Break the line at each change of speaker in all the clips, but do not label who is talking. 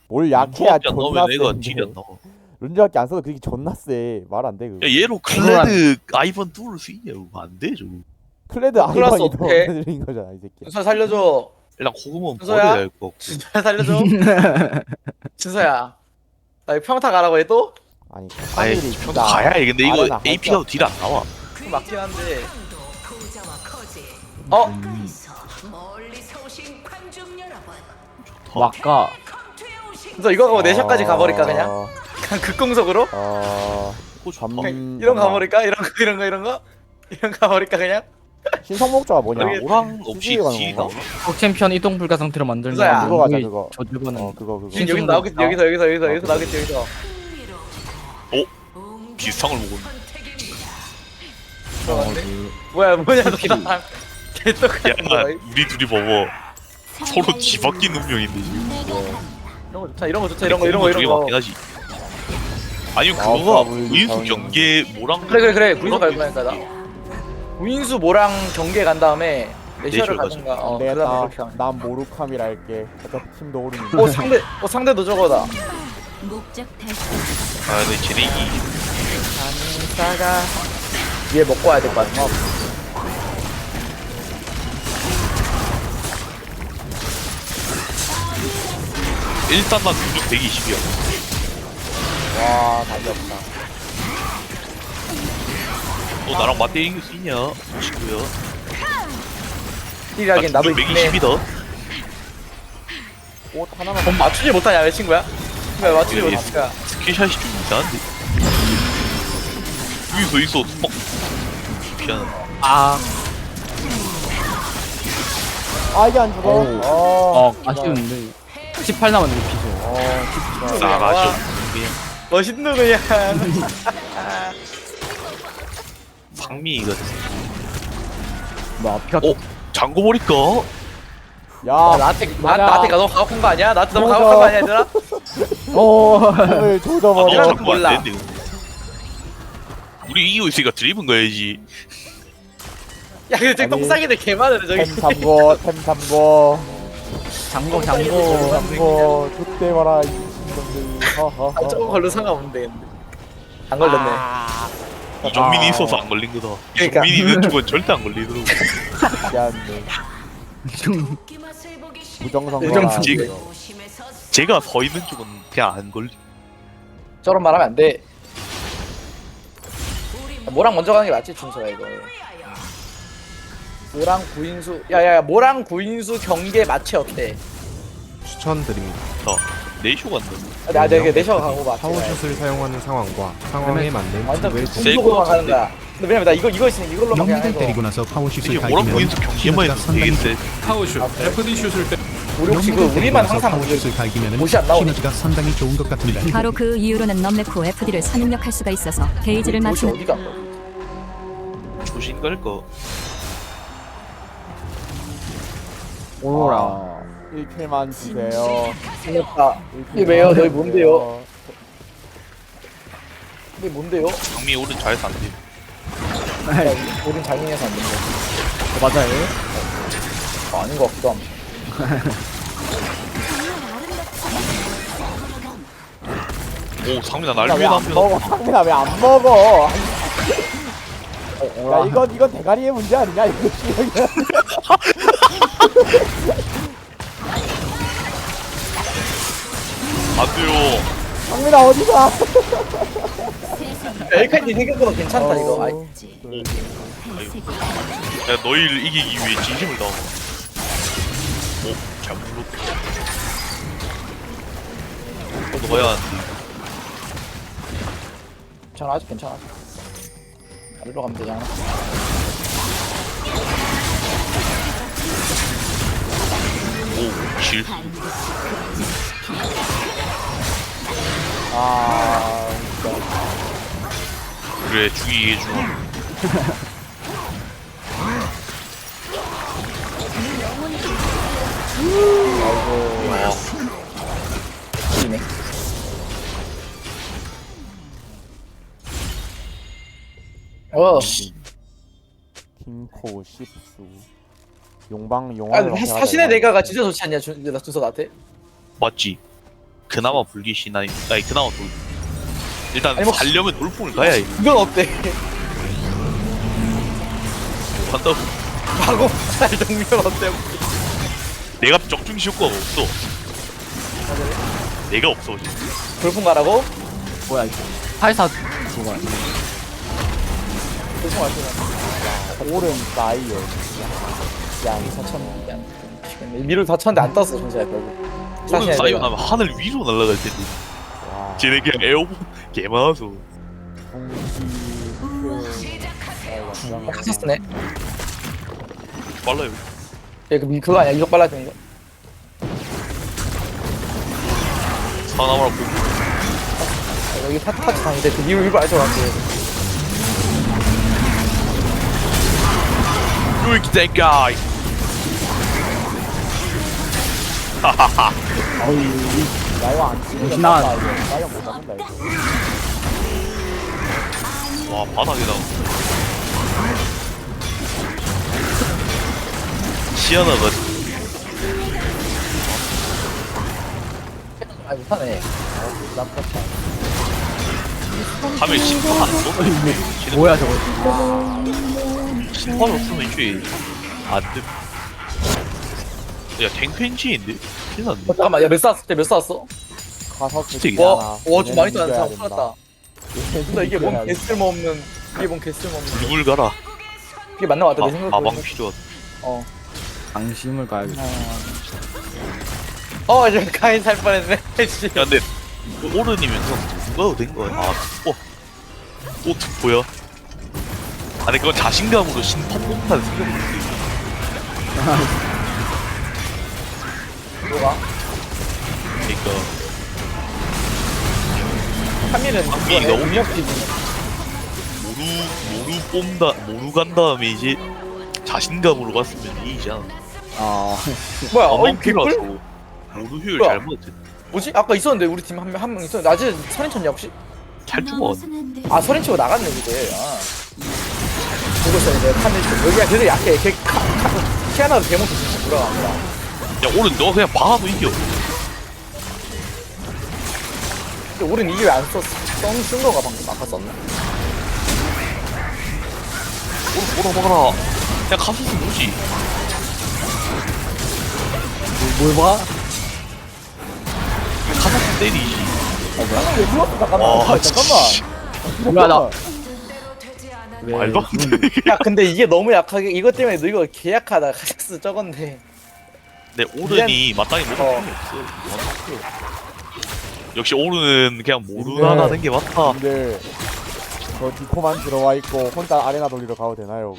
뭘 약해야
안
존나
나오면 애가
센데.
딜이 안 나와.
룬저밖에 안 써도 그게 존나 세. 말 안 돼 그거.
야 얘로 클레드 아이번 뚫을 수 있냐? 이거 안 돼, 저거.
클레드
클라스
아이번이 더
어떡해?
느린 거잖아 이 새끼.
준서 살려줘.
일단 고구마는
준서야?
버려야 할 것 같고.
준서야 살려줘. 준서야. 나 이거 평타 가라고 해 또?
아니
아예
카밀이
평소
진짜
가야 해. 근데 이거
아레나 할
AP가
게
딜 안 나와.
그거 맞긴 한데.
멀리서 오신 관중 여러분,
막가.
준서 이거 가고 내셔까지 가버릴까 그냥?
어,
그냥 극공속으로?
그거 좋다.
밤
이런 거 가버릴까? 이런 거 이런 거 이런 거? 이런 거 가버릴까 그냥?
신성 목조가 뭐냐?
모르겠-
오랑 없이
수수에 가는
딜이
건가?
나와.
꼭 챔피언 이동 불가 상태로 만들면
그거야.
그거 가자, 그거.
저 주변은
어 그거
지금 여기 나오겠지 여기서 나오겠지 여기서.
비슷한 걸 먹었네.
들어갔네. 뭐야 뭐냐 너 나랑 개떡같은
야,
거야.
우리 둘이 봐봐. 서로 뒤바뀐 운명인데 지금.
이런 거 좋다 이런 거 좋다 이런 거 이런 거
저게
이런 거.
맞긴 하지. 아니면
아,
그거가
밥을
우인수
이상하게
경계 뭐랑
그래 구인수 갈 거니까 나. 구인수 모랑 경계 간 다음에 내셔를
내셔
가든가.
안
그다음에
되겠다.
그렇게 하면.
난 모루카미라 할게. 어차피 팀도 오르는.
상대도 저거다.
목적 달성.
아 근데 쟤네
사가 위에 먹고 와야 될 것 같아.
일단 난 공격 120이야.
와 답이 없다.
너 나랑 맞대 이길 수 있냐? 친구야.
딜하긴 나도 있네.
120이다.
옷 하나만.
넌 맞추지 못하냐 왜 친구야? 왜 맞추지 못하니까.
스킬샷이 좀 이상한데. 있어. 피하는.
아,
아 이게 안 죽어.
아쉬운데 18 남았는데 피죠.
싸가죠. 그냥
멋있는 그냥.
상미가
뭐 피가
어? 잠궈 버릴까?
야
나한테
맞아.
나한테 너무 가혹한 거 아니야? 나한테 너무
맞아.
가혹한 거 아니야 얘들아?
오늘
아,
조져버려.
이런
너
건
잠궈
몰라.
안 되는데. 우리 이기고 있으니까 드리븐 가야지.
야 근데 저기
아니,
똥싸기들 개 많으네 저기.
템 삼고 템 삼고
장고
삼고 족대 봐라 이 미친놈들.
아, 저거 걸로 상관없는데 근데. 안 걸렸네.
이정민이 있어서 안 걸린 거다.
그러니까.
이정민이 있는 쪽은 절대 안 걸리더라고.
미안해.
웃기 맛을 보기 싫.
부정선거라.
지금-
조심해서
제가 서 있는 쪽은 그냥 안 걸리.
저런 말하면 안 돼.
우리
뭐랑 먼저 가는 게 맞지 준서야 이거.
위하여.
모랑 구인수 야야야 모랑 구인수 경계 마치 어때?
추천드립니다.
네이쇼 간다.
내가 내셔 가고 봐.
파워슛을 사용하는 상황과 상황에 맞는
완전
듀엘
세-
공속으로만 가는 거야. 근데 왜냐면 나 이거 있으니 이걸로만 그냥
영리를
해서
때리고 나서 파워슛을
이게 뭐랑
갈기면
보인수 경기만 해도
상당히
되겠대.
파워슛, FD 슛을 때
우리 혹시 그
영리를 때리고
우리만
나서
항상
파워슛을 갈기면
옷이 안 나오네.
시너지가 상당히 좋은 것 같습니다.
바로 그 이후로는 넘레코 FD를 선입력할 수가 있어서 게이지를
옷이
맞추는
어디가?
조신 갈까?
오로라.
1킬만 주세요.
생겼다.
1킬만
이게 왜요? 너희
주세요.
뭔데요? 이게 뭔데요?
장미 오른 잘해서 안 돼.
야, 우린 장인에서 안 된다.
맞아요.
아닌 것 같기도 함.
오 상민아
나
날
왜
위해
안
남편.
먹어? 상민아 왜 안 먹어? 야 이건 대가리의 문제 아니냐 이거 시력이야.
안 돼요.
상민아 어디가?
엘카이 생각보다 괜찮다 이거. 아이,
야 너희를 이기기 위해 진심을 다하고. 오, 잘 물었다. 넣어야 하는데.
괜찮아 아직 괜찮아. 아래로 가면 되잖아.
오, 실.
아 진짜.
그래 죽이게 해줘.
이네.
킹코 십수. 용방
아
용왕.
근데 사신의 내가가 진짜 좋지 않냐 준서 나한테?
맞지? 그나마 불기신 아니 그나마 돌 일단
아니, 뭐-
살려면 돌풍을 가야 해.
이건 어때?
한다고.
마고 살 정면 어때?
내가 적중시 효과가 없어. 내가 없어 지금.
돌풍 가라고?
뭐야 이거. 84 저거 아니야.
돌풍 갈 거야.
오른 사이에
양 4천 양. 미를 다쳤는데 안 떴어 전체야 결국.
오늘 사이온
내가.
하면 하늘 위로 날아갈 텐데.
와
쟤네 그냥 에어본 개 많아서.
카서스네.
빨라요.
얘 그거 아니야 이속 빨라지는 거.
사나마라 보고.
여기 타치 당인데 그 미를 알줄 알았지.
Look at that guy. 하하하.
나이와 안 치면
무신한.
나이가 못 잡는다 이거.
와 바닥에다. 시아나가
아 못하네.
밤에 심판 안 써?
뭐야 저거.
심판 없으면 이제 안 돼. 야 탱펜지인데? 큰일 났네.
잠깐만 야몇 쐈어? 몇 쐈어?
가서
진짜
와좀 많이 쐈다.
이겨야
잘
된다.
풀었다. 근데 이게 뭔 개쓸모없는 이게 뭔 개쓸모없는
불 가라.
이게 맞나 맞다 내 생각으로.
마방 필요하다.
어.
방심을 가야겠다.
이제 가인 살 뻔했네. 씨.
야 근데 오르니면서 누가 된 거야? 또 투포야? 아니 그건 자신감으로 심판 못하는 생각을 했지.
뭐가?
그러니까
3일은
방민이 너무
능력지.
모루 간 다음에 이제 자신감으로 갔으면 이기잖아.
뭐야?
어망
개꿀?
필요하고 모루 효율
뭐야?
잘못했지.
뭐지? 아까 있었는데 우리 팀 한 명 있었는데 낮에 서린 쳤냐 혹시?
잘 죽어.
아 서린 치고 나갔네 그게. 아. 보고 있었는데 카밀 여기가 계속 약해. 걔 키아나도 대못해 진짜 돌아갑니다.
야 오른 너 그냥 박아도 이겨.
근데 우린 이게 왜 안 썼어? 쓴 거가 방금 아까 썼나?
오른 먹어라. 그냥 가수스 뭐지?
뭘 봐?
가수스 때리지.
왜 죽었어? 잠깐만.
씨.
뭐야 나.
되지 않아.
왜?
말도 안 돼.
야 근데 이게 너무 약하게 이것 때문에 너 이거 개약하다. 카삭스 적었네.
내 오른이 마땅히 먹을 필요 없어. 역시 오른은 그냥 모루가
네.
나는 게 맞다.
근데 저 디코만 들어와 있고 혼자 아레나 돌리러 가도 되나요?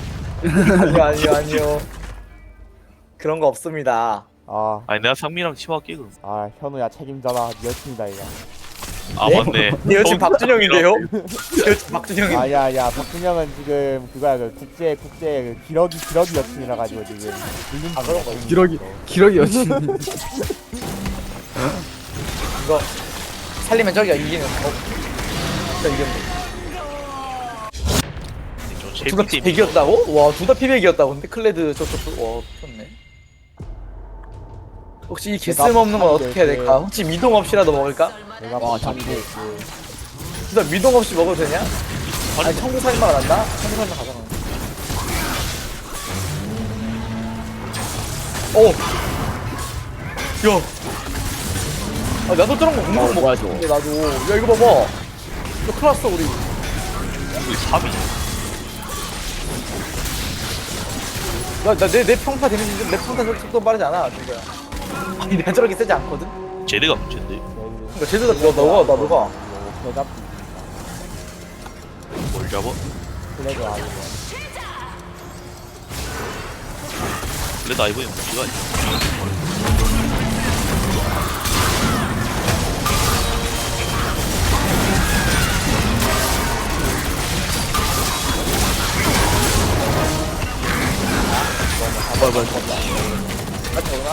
아니요. 그런 거 없습니다.
아니 내가 상민이랑 팀할게 그럼.
현우야 책임져라 네 여친이다 이거.
네?
맞네.
내 여친 박준영인데요? 내 여친 박준영인데.
야야 박준영은 지금 그거야 그 국제 그 기러기 여친이라 가지고 지금
그런 거
기러기 여친.
이거 살리면 저기가 이기는 저 이겼네. 둘 다 피백이었다고? 와, 둘 다 피백이었다고. 근데 클레드 저쪽도 와, 좋네. 혹시 이 개쓸모없는 건 어떻게 해야 될까? 혹시 미동 없이라도 먹을까?
내가
와,
박찬이
저기.
진짜 미동 없이 먹어도 되냐? 아니, 청구 살인마가 난다? 청구 살인마 가져가. 오! 야! 아, 나도 저런 거 공동
뭐야,
먹는데, 나도. 야, 이거 봐봐. 이거 큰일 났어, 우리.
우리 3위.
내 평타 데미지, 내 평타 속도 빠르지 않아, 진짜. 아니, 내가 저렇게 세지 않거든?
쟤네가 문제인데.
그러니까 제대로 너가.
대답
뭘 잡아?
플레드 아니고
그래도 아이번에 문제가 있어.
같이 오나?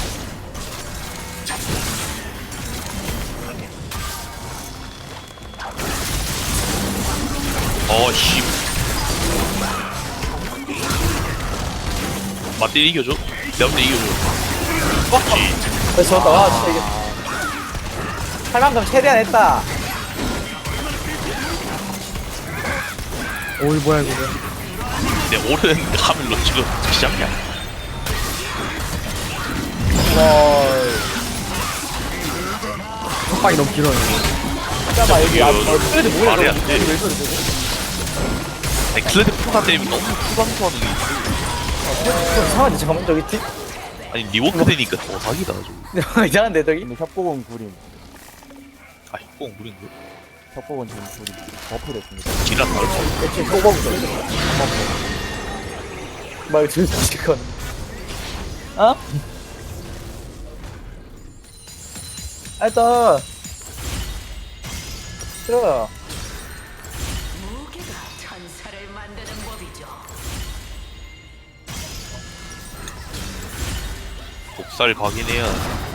씨. 맞대 이겨줘. 내가 볼때 이겨줘. 맞지.
나 졌다. 와, 진짜 이게. 할 만큼 최대한 했다.
오이 뭐야 이거.
내 오른 카밀로 지금 시작이야.
속박이 너무 길어요.
잠깐만 여기 아
이거
그래도 뭐야
말이 안
이거
돼.
왜 저래 저거?
아니 클레드 프로가 때문에 너무 부담스러워하는 게 있어.
이상한데 잠깐만 저기 뒤
아니 리워크 되니까 더 사기다 좀.
이상한데 저기.
근데 협곡은 구림.
아이 꼭 무린데.
협곡은 지금 구림. 버프됐습니다.
지랄 말고.
대체 뽑아보자. 말 들으시건. 어? 일단 들어.
무게가 천사를 만드는 법이죠.
독살 가긴 해야.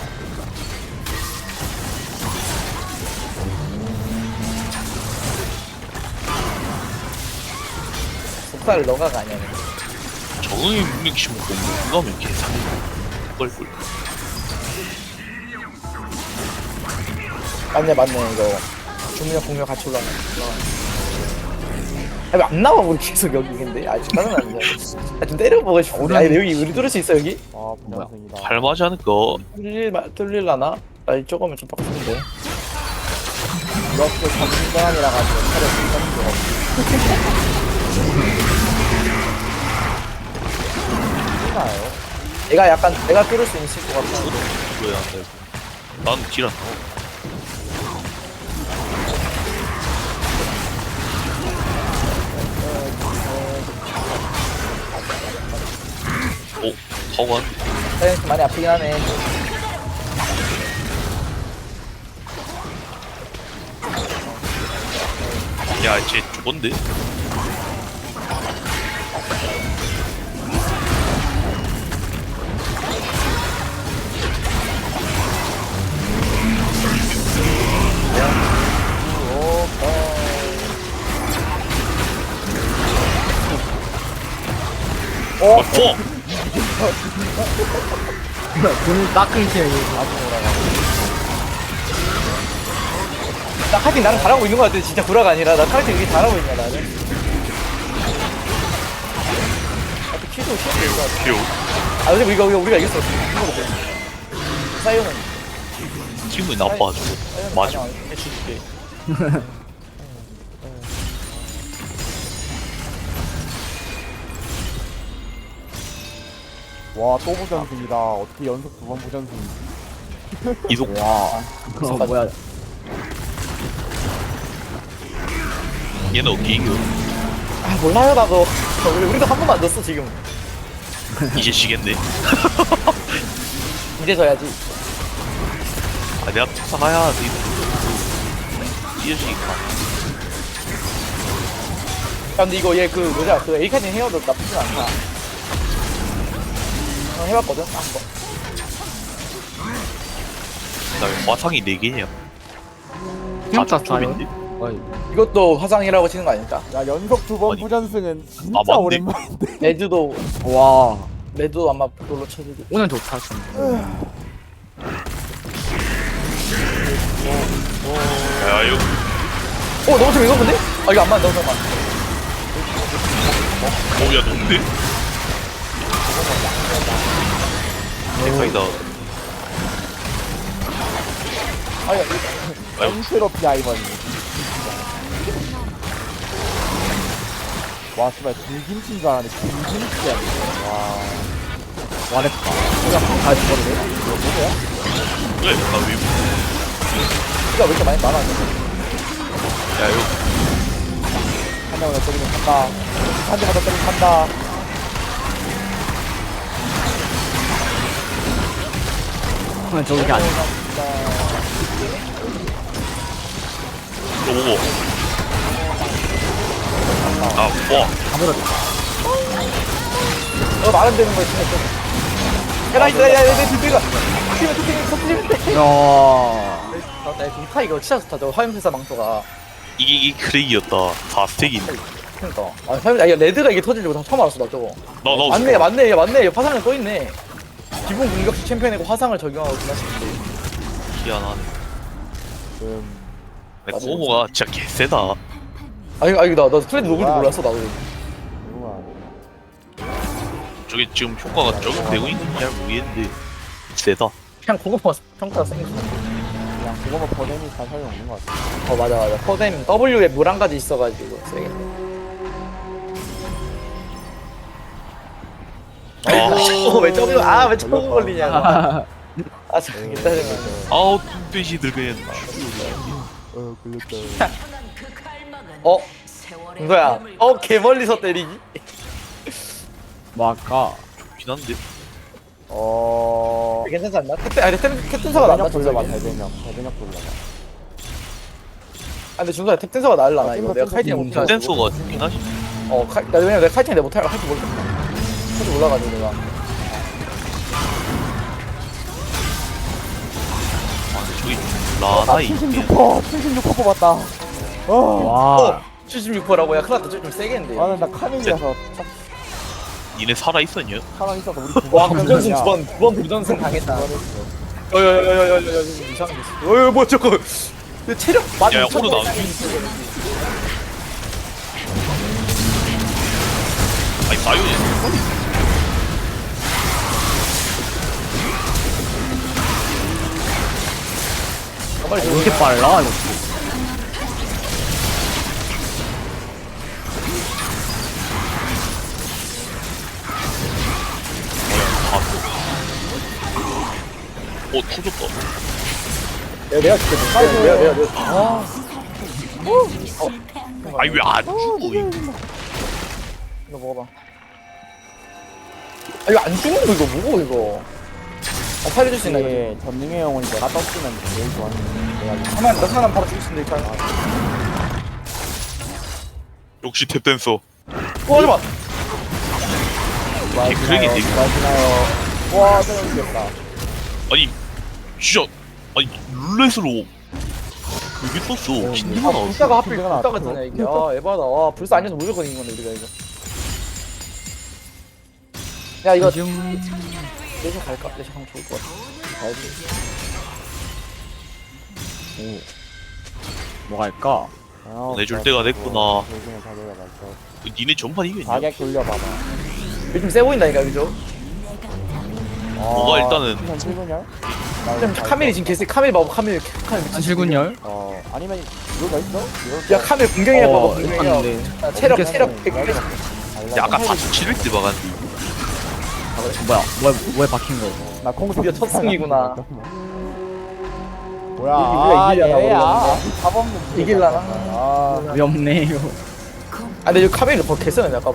속살을 너가 가냐?
적응이 능력 심고 공부하면 계산이 꿀꿀.
맞네 이거. 주문력 공격 같이 올라가. 아니 안 나와 우리 계속 여기 근데 아직 짜증나는데. 좀 때려보고 싶은데. 아니 여기 우리 뚫을 수 있어 여기?
아 부장승이다.
할만하지 않을까?
뚫릴라나? 아니 조금은 좀 빡센데.
이렇게 전문가이라 가지고 차려 쓸 수가 없지. 나요.
내가 뚫을 수 있을 것 같아.
왜안 되고? 나는 딜 안 나와. 오, 허관.
사이언스 많이 아프긴 하네.
야, 쟤 죽었는데? 어,
돈을 딱 끊기야 이거.
나 카팅 나는 잘하고 있는 것 같아. 진짜 구라가 아니라 나 카팅 되게 잘하고 있냐 나는. 아, 또 키도 쉬운데 이거.
표.
아 근데 우리가 이겼어. 이거 먹고. 사이언은
기분이 나빠가지고. 맞아.
줄게.
와 또 부전승이다. 어떻게 연속 2번 부전승?
이속.
와. 뭐야.
얘는 어떻게 이겨?
아 몰라요 나도. 우리도 한 번만 넣었어 지금.
이제 지겠네.
이제 져야지.
아, 내가 특사가야 돼. 찢어지니까.
야, 근데 이거 얘 그 뭐냐 그 에이카님 헤어도 나쁘진 않다. 해봤거든 한번.
나왜 화상이 4개냐?
진짜
톱인데?
이것도 화상이라고 치는 거 아닙니까?
야 연속 2번
아니.
부전승은 진짜
아, 맞네.
오랜만인데.
레드도
와.
아마 그걸로 쳐주고.
오늘 좋다. 좀.
야, 이거.
너무 좀 이거본데? 아 이거 안 맞아 너무 안 맞아.
야, 뭔데? 대박이다.
아야
엔트로피아 이번이. 와 씨발 불김치인 줄 알았는데 불김치야. 와.
와랬다. 다 죽어도 돼?
이거 뭐야?
왜? 나 왜?
이거 왜 이렇게 많이 많아?
야, 이거.
한 명을 더 때리면 간다. 한 대만 더 때리면 간다.
저기 아니야.
이거 보고. 아, 와.
말은 되는 거야 진짜 좀. 야내 뒷배가 터뜨리면 돼.
야.
나 동타 이거 진짜 좋다. 저 화염회사 망토가.
이게 크레이였다. 4스택인데.
그러니까. 아 화염 이거 레드가 이게 터질 줄 처음 알았어 나 저거.
나
맞네. 화상을 또 있네. 기본 공격시 챔피언이고 화상을 적용하고 그냥 싶은데.
희한하네. 근데 고모가 진짜 개세다.
아니 나 트레드 녹을 줄 몰랐어 나도.
누구야?
저게 지금 효과가 적용되고 있는지 잘 모르겠는데 세다.
그냥 그거만 평가가 생겼어.
그냥 그거만 버nem이 다 소용 없는 것 같아.
맞아. 퍼뎀 W에 물 한 가지 있어가지고 세게. 왜 W 왜 W 걸리냐고. 저기 짜증나.
아우 뚱돼지들 그냥
걸렸다.
그 갈망은 세월의
이거야.
흐름을
개 멀리서 때리기.
뭐 할까?
좋긴 한데.
괜찮지 않나? 캡틴서가 낫나?
대변력 돌려봐,
준석이?
대변력 돌려봐.
근데 준석이 캡틴서가 나을라나 이거 내가 카이팅 못해.
센서가 좋긴 하지.
나 왜냐면 내가 카이팅 내가 못할 할줄 몰라. 할줄 몰라가지고 내가.
아 근데 저기 라나이
76% 뽑았다.
와.
76%라고 야 큰일 났다. 좀 세게 했는데.
나 카밀이라서 딱
니네 살아있었냐?
살아있어서 우리
와 부전승 두번 부전승 당했다. 여여여여여여 이상한 게 있어. 뭐 저거 내 체력 맞아.
야, 오늘 나오지. 아니 사이온이
빨리
왜 이렇게 빨라? 이거.
터졌다.
내가 줄게. 내가.
아니 왜 안 죽어?
이거 먹어봐. 이거 안 죽는 거 이거 뭐고 이거? 살려줄 수 있나 이거?
이게 전능의 영혼이 내가 떴으면 제일 좋았는데 내가
하나 나 사람 바로 죽일 수 있는데 일단.
역시 탭댄서.
하지마.
개크랭이 되게.
맞나요? 와, 때려주겠다.
아니 진짜 아니 룰렛으로 그게 떴어. 킨드가 나왔어.
불사가 하필
킨드가
불사가
나왔어.
뜨냐 이게. 에바다. 불사 아니어서 무조건 이긴 건데 우리가 이거. 야 이거
좀
내셔 갈까? 내셔 가면 좋을 것 같아. 가야지.
뭐 할까?
내줄 때가 됐구나.
결국엔 가져가 말죠.
니네 전판 이겼냐?
가격 돌려봐봐.
요즘 세 보인다니까 그죠?
뭐가 일단은
7분열?
좀 카멜이 지금 개쎄. 카멜 봐봐. 카멜
한실군열?
아니면 이거 있어?
야 카멜 공격해 봐봐. 공격해.
있는데.
체력
어떻게
100.
야, 아까 4700대 박았는데
뭐야? 왜 박힌 거?
나 공수
드디어 첫 승이구나.
뭐야?
우리가 이기려나,
얘야. 답 없는
이길라나?
아,
왜 없네요.
근데 이거 카멜이 더 개쎄네 아까.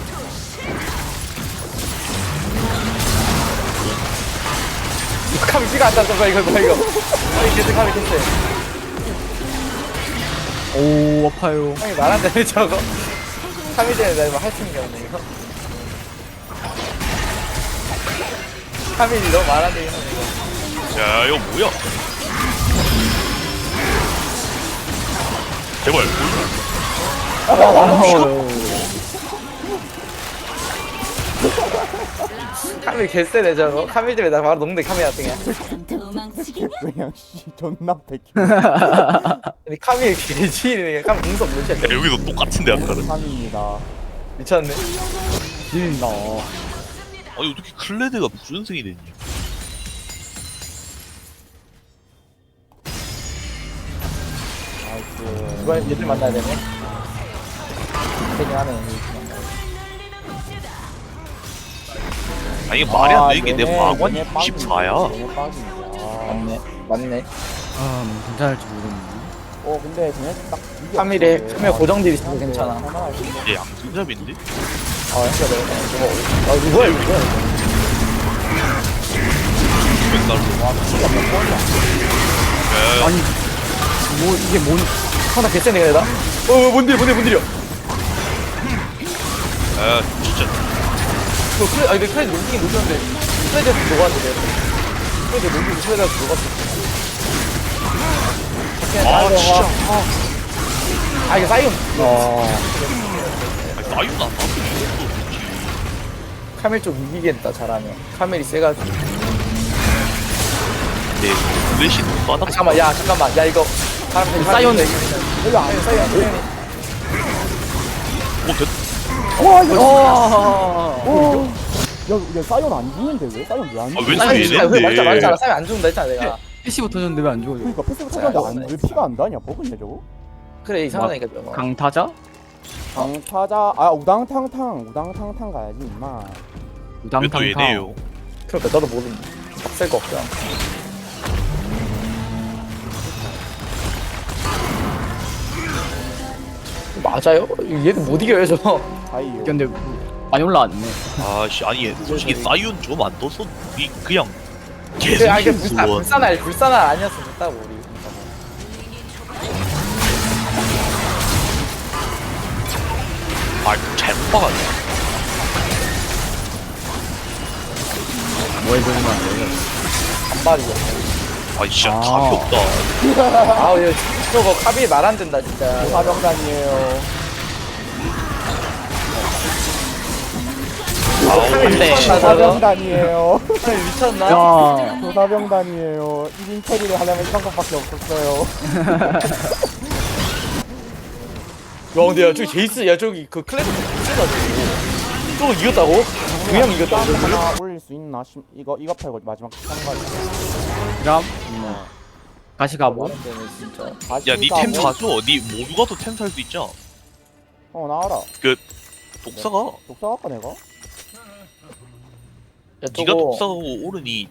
이거 카멜 피가 안 났어 이거 봐 이거. 아니 개쎄 카멜 개쎄.
오 아파요.
형이 말한다며 저거. 카멜 전에 나 이거 할 수 있는 게 없네 이거. 카멜이 너무 말한다 이거.
야 이거 뭐야? 제발
카멜 개쎄네 저거. 카멜 때문에 나 바로 녹는데 카멜 같은 게.
그냥 씨 존나 백희.
근데 카멜 개지네. 카멜 공속 몇이야?
야, 여기도 똑같은데 아까는.
3입니다.
미쳤네.
진다.
아니 어떻게 클레드가 부전승이 됐냐?
나이스.
이번엔 얘들 만나야 되네. 되긴 하네.
아니 이게 말이 안 되는 게 내
얘네
마관이
빵이야.
94야.
얘네 빵이야.
맞네.
괜찮을지 모르겠네.
근데 쟤네 딱 이게
카멜에
없어.
카멜 고정딜 있어서 괜찮아.
얘 양승잡인데?
진짜 내가 저거. 뭐야 이거 뭐야 이거.
900달러. 야,
아니 뭐 이게 뭔?
하나 개쎄네 얘다. 뭔딜이야.
야 진짜
근데 크레드 녹이긴 녹였는데 크레드에서 녹았는데 크레드 녹이고 크레드에서 녹았어.
진짜
이게 사이온.
아니 나이도 안 나왔어.
카멜 좀 이기겠다 잘하면. 카멜이 세가지고.
내 플래시 바닥
잠깐만 야 이거 사이온
여기 안
사이온
됐.
야 사이온 안 죽는데 왜? 사이온 왜안
아,
죽어?
왜
사이온
죽이네?
말했잖아 사이온 안 죽는다 했잖아 내가
PC부 터졌는데 왜 안 죽어요?
그러니까 패스브 터졌는데 왜 피가 안 다냐? 버그냐 저거?
그래 이상하다니까 저거
강타자?
강타자 아 우당탕탕 가야지 임마.
왜 또
우당탕탕.
얘네요?
그러니까 나도 모르는 쓸거 없잖아 맞아요? 얘는 못 이겨요 저거
사이요.
근데 많이 올라왔네.
아씨 아니 솔직히 사이온 좀 안 떴어. 이 그냥 계속
그래, 아, 이게
힘들어.
불산알 아니었으면 됐다고 우리
아 잘못 박았네.
뭐 해보는 거 아니에요?
반발이야
아 진짜
아.
답이 없다.
아우 얘 저거 카비 말 안 된다 진짜
사병단이에요.
네.
조사병단이에요.
미쳤나?
야,
조사병단이에요. 1인 처리를 하려면 이런 것밖에 없었어요.
야 근데 야 저기 제이스 야 저기 그 클래스 제이스가지고 저거 이겼다고? 그냥 이겼다고 저거를?
하나 올릴 수 있나? 이거 팔고 마지막 참가지.
그럼 다시 가보.
진짜
야니 템 사줘. 니 모두 가도 템 살 수 있잖아.
나와라.
독사가
독사 할까 내가?
야
니가
저거
독사가고 오르니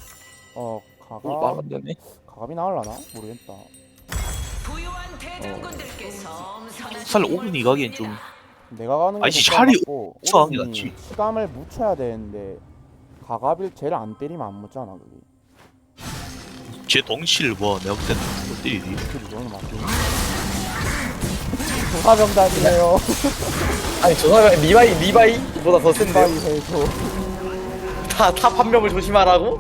말안
가갑이 나올라나? 모르겠다.
부유한 대장군들께 섬선한
살 오르니 가기엔 좀
내가 가는 거
아니, 샤리
고
독사하는 게 낫지.
시감을 묻혀야 되는데 가갑을 쟤를 안 때리면 안 묻잖아 그게.
제 덩치를 봐. 내가 볼 때는 못 때리니.
그게 너무 맞지. 조사병단이에요.
아니 저 사람 리바이보다 더 센데요?
빨리 해줘.
탑 한 명을 조심하라고?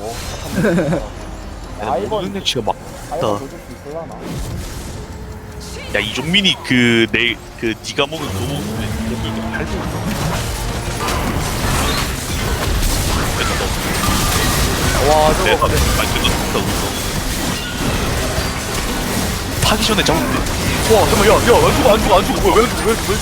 아이번
모든 액치가 막.
아이번 도줄 수 있을라나?
야 이종민이 그 니가 먹은 그거 먹으면 여기 할수 있어.
와
내가
저거
아니 그거 진짜 웃어. 타기 전에 잡으면 돼. 와 잠깐만 야안 죽어 뭐야 왜 죽어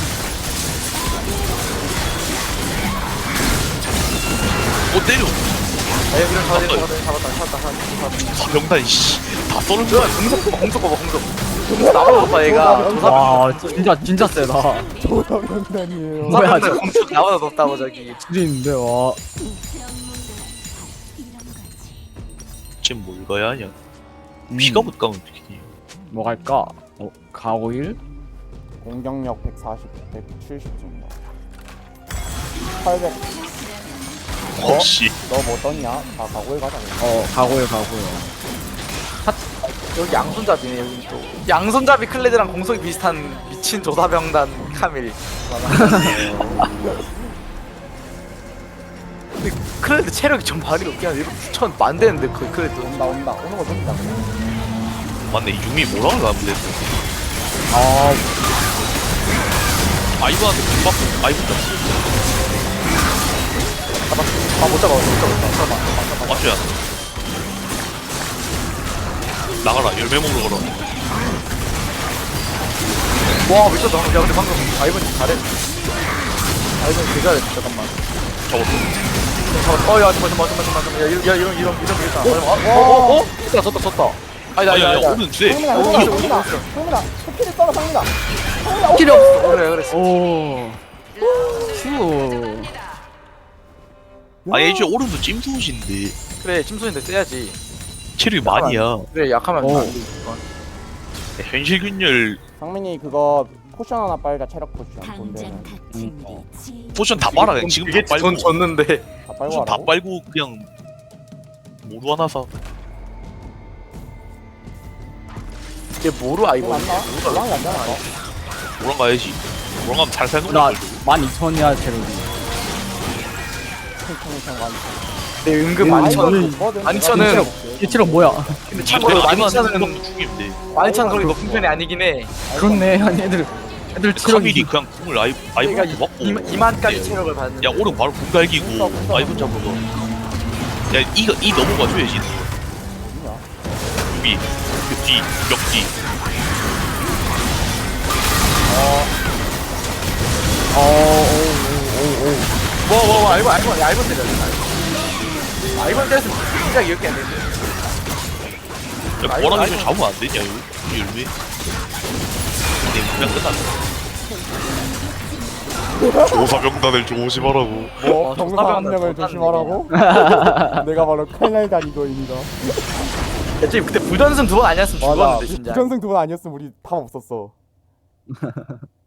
때려.
야 이런 잡았다
사병단 씨다 썰은 거야.
공속 봐봐 나도 봐 얘가
와, 진짜 세다.
조사병단이에요.
뭐야, 저
공속 나보다 높다고 저기
줄인데 와.
지금 뭘 가야 하냐. 피가 못 가면 어떡해.
뭐 갈까? 가오일?
공격력 140, 170 정도. 800.
혹시
너 뭐 떴냐? 가고에 가자.
가오일.
여기 양손잡이네 여기 또 양손잡이 클레드랑 공속이 비슷한 미친 조사병단 카밀 근데 클레드 체력이 좀 발이 높긴 한데 9천 만대는데 그 클레드
온다. 오는 거 좋다.
맞네 유미 뭐라고 가면 돼.
아,
아이브한테 공 받고 아이브
아못 잡아
맞줘야 나가라 열매 먹으러 가라.
와 미쳤다 야 근데 방금 아이번 잘했네 아이번 개 잘했어 잠깐만
잡았어.
야 잠깐만 야 이런 어? 졌다
아야
아니다
오른 주세.
상민아. 스킬을 써라 상민아.
필이 없어 그래
오. 슈.
아니 애초에 오른도 찜소신데
그래 침소인데 써야지
체력이 많이야.
그래 약하면
오.
안 돼.
현실 균열
상민이 그거 포션 하나 빨자. 체력 포션. 돈되는.
포션 다 빨아 그냥 지금 다
그게
빨고
돈 줬는데
다 빨고
포션 다
하라고?
빨고 그냥 모루 하나 사.
얘 뭐로 아이번
안 나? 고랑이 안 나나?
모랑 가야지. 모랑 가면 잘 사는
나
걸
12,000이야 체력이.
탱탱탱 많이.
내 은근 만천
좋거든.
만천은
이 체력 뭐야?
근데
지금
참고로
내가 아니면
만천은
죽이면 돼.
만천 그렇게 높은 편이 아니긴 해
그렇네. 아니 애들 체력이
카밀이 그냥 궁을 아이브한테
그러니까
맞고
2만까지 체력을 받는
야 오른 바로 궁 갈기고 아이브 잡으러 가. 야 이 넘어가 줘야지.
뭐냐?
위, 그 뒤, 역 뒤.
뭐 알고 때려. 알고 때렸으면 진짜 이렇게 안 되는데.
야, 뭐라 해서 잡으면 안 되냐, 이거? 이 열매? 그냥 끝났어. 조사병단을 조심하라고.
뭐 병사 한 명을 조심하라고? 내가 바로 칼날단 이거입니다.
애초에 그때 부전승 2번 아니었으면
맞아.
죽었는데 진짜.
부전승 2번 아니었으면 우리 답 없었어.